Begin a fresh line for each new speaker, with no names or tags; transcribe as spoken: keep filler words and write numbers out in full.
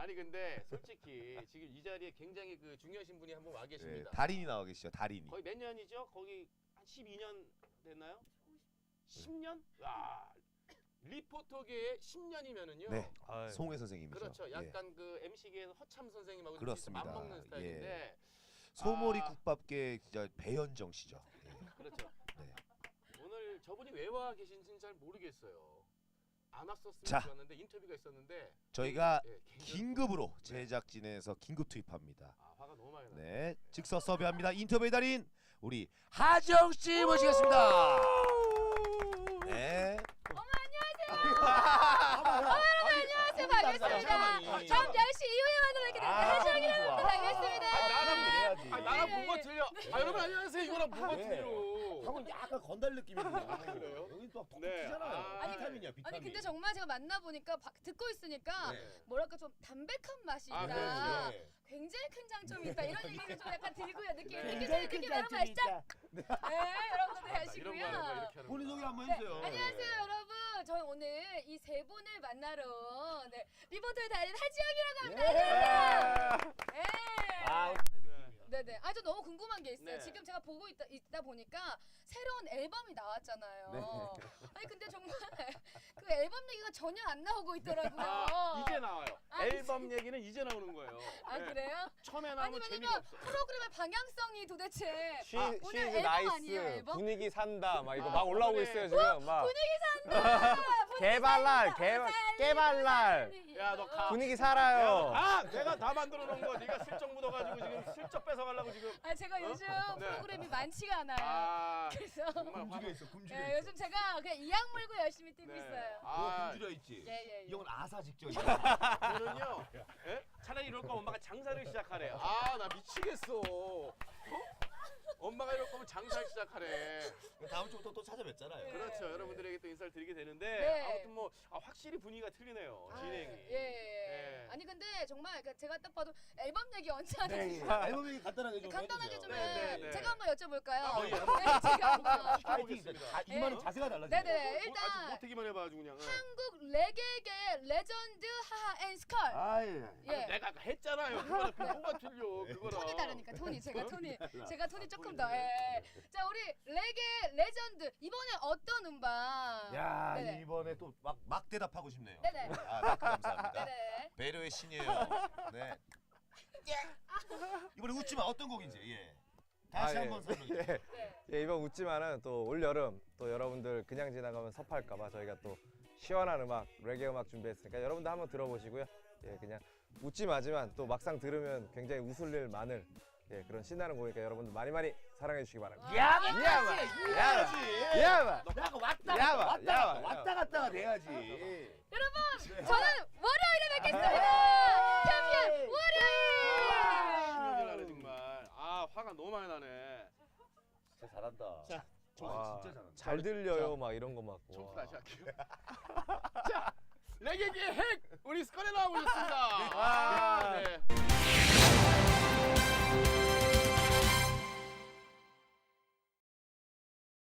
아니 근데 솔직히 지금 이 자리에 굉장히 그 중요하신 분이 한 분 와
네,
계십니다.
달인이 나와 계시죠. 달인이.
거의 몇 년이죠? 거기 한 십이 년 됐나요? 십 년? 와 리포터계의 십 년이면은요.
네.
아유.
송혜 선생님이죠.
그렇죠.
예.
약간 그 엠씨계에서 허참 선생님하고
그렇습니다.
맞먹는 스타일인데
소머리
아.
국밥계 진짜 배현정 씨죠. 예.
그렇죠.
네.
오늘 저분이 왜 와 계신지는 잘 모르겠어요. 안 왔었으면
자.
좋았는데 인터뷰가 있었는데
저희가
예, 굉장히-
긴급으로 제작진에서 긴급 투입합니다.
아 화가 너무 많이 나.
네, 즉석 섭외합니다. 인터뷰의 달인 우리 하정 씨 모시겠습니다. 네.
안녕하세요. 반갑습니다. 다음 열 시 이후에 만나뵙게 됩니다. 하정이라고 합니다. 반갑습니다.
아, 나랑
해야지.
아, 나랑
네.
뭐가 틀려? 아 여러분 안녕하세요. 이거랑 뭐가
네.
틀려?
방금 약간 건달 느낌이구나.
그래요?
여기 또
네.
톡톡이잖아요.
아,
아니,
비타민이야, 비타민.
아니 근데 정말 제가 만나 보니까 듣고 있으니까
네.
뭐랄까 좀 담백한 맛이
아,
있다.
그렇죠.
네.
굉장히 큰 장점이 있다. 이런 얘기가 좀 약간 들고요. 느낌
네.
느끼세요. 느낌 여러분 아시죠? 네, 여러분들
아, 나 이런 거 하는 거
하시고요.
이렇게 하는
본인
거.
소개 한번
네,
해주세요.
안녕하세요 여러분. 저는 오늘 이 세 분을 만나러 네, 리포터의 달인 하지영이라고 합니다. 안녕하세요. 네.
아,
네네. 아 저 너무 궁금한 게 있어요.
네.
지금 제가 보고 있다, 있다 보니까 새로운 앨범이 나왔잖아요.
네.
아니 근데 정말 그 앨범 얘기가 전혀 안 나오고 있더라고요.
아, 이제 나와요.
아,
앨범 얘기는 이제 나오는 거예요.
아
네.
그래요?
처음에
아니
나오면 재미가
왜냐면
없어.
프로그램의 방향성이 도대체
쉬,
아,
쉬즈
오늘 앨범
나이스
아니에요 앨범?
분위기 산다 막 이거
아,
막 올라오고
그래.
있어요 지금 막
분위기 산다. 분위기
개발랄
산다.
개
살리고
개발랄
살리고.
야, 너 가.
분위기 살아요.
아, 내가 다 만들어 놓은 거 네가 슬쩍 묻어가지고 지금 슬쩍 뺏어 가려고 지금.
아 제가 요즘
네.
프로그램이 많지가 않아요.
아,
그래서
정말 화.
굶주려 있어, 굶주려
네,
있어.
요즘 제가 그냥 이악 물고 열심히 뛰고
네.
있어요.
너
아,
굶주려 있지.
예, 예, 예.
이 형은 아사 직전이야.
저는요. 예? 차라리 이럴 거면 엄마가 장사를 시작하래. 아, 나 미치겠어. 어? 엄마가 이럴 거면 장사를 시작하래.
다음 주부터 또 찾아뵙잖아요.
그렇죠. 여러분들에게 또 인사를 드리게 되는데
네.
아무튼 뭐 아, 확실히 분위기가 틀리네요. 진행이.
예, 예.
예.
아니 근데 정말 그 제가 딱 봐도 앨범 얘기 언제 하는지
앨범 얘기 간단하게 좀
간단하게
해주세요.
좀
네, 네,
해.
네.
제가 한번 여쭤볼까요?
아, 예.
네, 제가 한번.
파이팅. 자, 이만은
네.
자세가 달라지죠.
네네.
뭐, 아직
일단
못하기만 해봐 아주 그냥.
한국 레게계 레전드 하하 앤 스컬.
아, 예.
예.
내가 아까 했잖아요. 그거랑 뭐가 틀려. 그거랑.
톤이 다르니까 톤이 제가 톤이 제가 톤이 조금
톤이
더. 예. 자 우리 레게 레전드 이번에 어떤 음반?
야,
네네.
이번에 또 막 막 대답하고 싶네요.
네네.
아, 마크 감사합니다.
네네.
배려의 신이에요. 네. 이번에 웃지 마. 어떤 곡인지. 예. 다시
아,
한번
예.
설명해.
예.
네.
예, 이번 웃지만은 또 올 여름 또 여러분들 그냥 지나가면 섭할까봐 저희가 또 시원한 음악 레게 음악 준비했으니까 여러분들 한번 들어보시고요. 예, 그냥 웃지 마지만 또 막상 들으면 굉장히 웃을 일 많을 예, 그런 신나는 곡이니까 여러분들 많이 많이 사랑해 주시기 바랍니다.
야만
야만,
해야지.
야만.
내가 왔다
야마,
갔다 왔다
야마,
갔다 왔다 갔다가 돼야지.
여러분 저는 월요일에 뵙겠습니다. 챔피언 월요일.
신경질 나네 정말. 아 화가 너무 많이 나네.
진짜 잘한다.
자,
와,
진짜 잘한다.
잘 들려요 막 이런 거 막.
처음부터
와.
다시 할게요. 자, 레게기의 핵 우리 스컬에 나오고 있습니다.
아,
네.